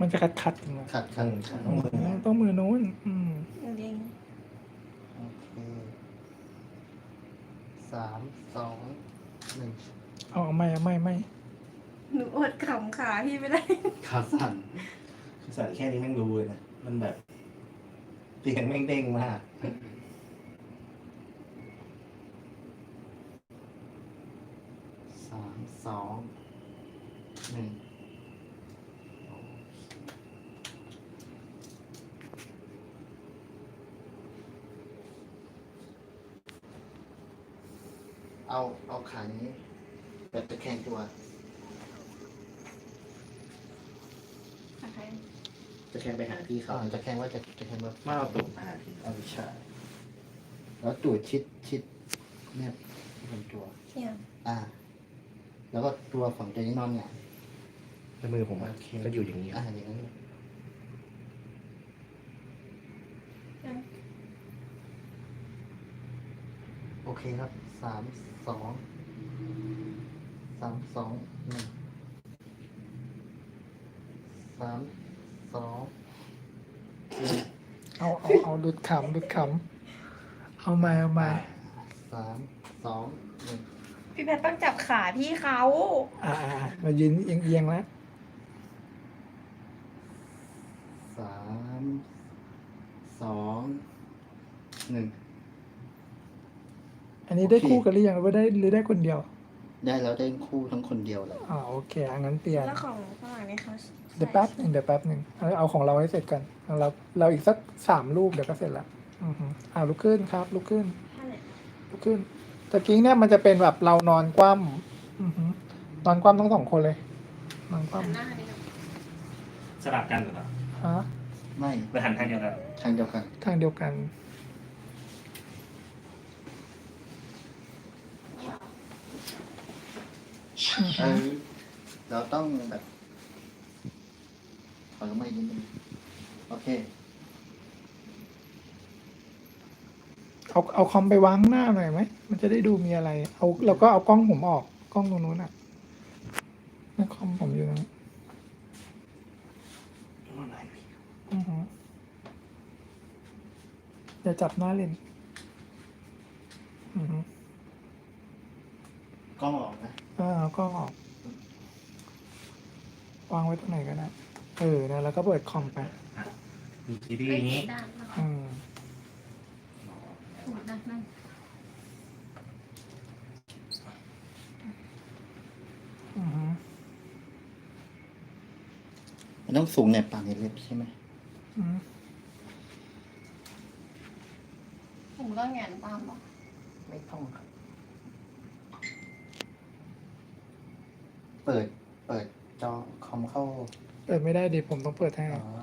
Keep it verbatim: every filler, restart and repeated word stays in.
มันจะคัดคัดๆอย่างเงี้ยขัดขัดขัดอืมต้องมือนู้นอืมเด้งโอเคสามสองหนึ่งเอาไม่เอาไม่ไม่หนูอดขำขาพี่ไม่ได้ขาสั่นสั่นแค่นี้แม่งรู้เลยนะ มันแบบเสียงแม่งเด้งมากสามสองหนึ่งเอาเอาขานี้แบบตะแคงตัวอะไรจะแข่งไปหาพี่เขาอ่าจะแคงว่าจะจะแคงว่ามาเอาตุ่มมาหาพี่เอาใช่แล้วตูดชิดชิดเนี่ยลำตัวเนี่ยอ่า แล้วก็ตัวฝั่งตัวนี้นอนเนี่ยแล้วมือผมอะโอเคก็อยู่อย่างนี้อ่าอย่างนั้นโอเคครับสามสองสามสองหนึ่งสามสองหนึ่งเอาเอาเอาดุดขำดุดขำเอามาเอามาสามสองหนึ่งพี่แพทต้องจับขาพี่เขาอ่าอ่ามายืนเอียงเอียงๆแล้วสามสองหนึ่งอันนี้ได้โอเคคู่กันหรือยังหรือว่าได้หรือได้คนเดียวได้แล้วได้คู่ทั้งคนเดียวเลยอ่าโอเคอ่ะงั้นเปลี่ยนแล้วของฝรั่งนี่เขาเดี๋ยวแป๊บหนึ่งเดี๋ยวแป๊บหนึ่งเอาเอาของเราให้เสร็จกันเอาเราเราอีกสักสามรูปเดี๋ยวก็เสร็จละอือฮึอ่าลุกขึ้นครับลุกขึ้นท่าไหนลุกขึ้นตะกี้เนี่ยมันจะเป็นแบบเรานอนคว่ำอือฮึนอนคว่ำทั้งสองคนเลย นอนคว่หันหน้านี่นะสลับกันหรือเปล่าำฮะไม่หรือหันทางเดียวกันทางเดียวกันทางเดียวกันอือเอฮึอเราต้องแบบขอลงมาอีกนิดนึงโอเคเอาเอาคอมไปวางข้างหน้าหน่อยไหมมันจะได้ดูมีอะไร เอาเราก็เอากล้องผมออกกล้องตรงนู้นอ่ะนั่นคอมผมอยู่ตรงนั้นอือฮึอย่าจับหน้าเลนอือฮึกล้องออกนะเออเอากล้องออก วางไว้ตรงไหนก็ได้เออนะแล้วก็เปิดคอมไปมีซีรีส์เอ้ยนี้ด้านหลังอืมด้านนั่นอือฮึมันต้องสูงในปากในเล็บใช่ไหมอืมผมต้องแงนตามหรอไม่ต้องครับ เปิด เปิดจอคอมเข้าเปิดไม่ได้ดิผมต้องเปิดให้อ๋อ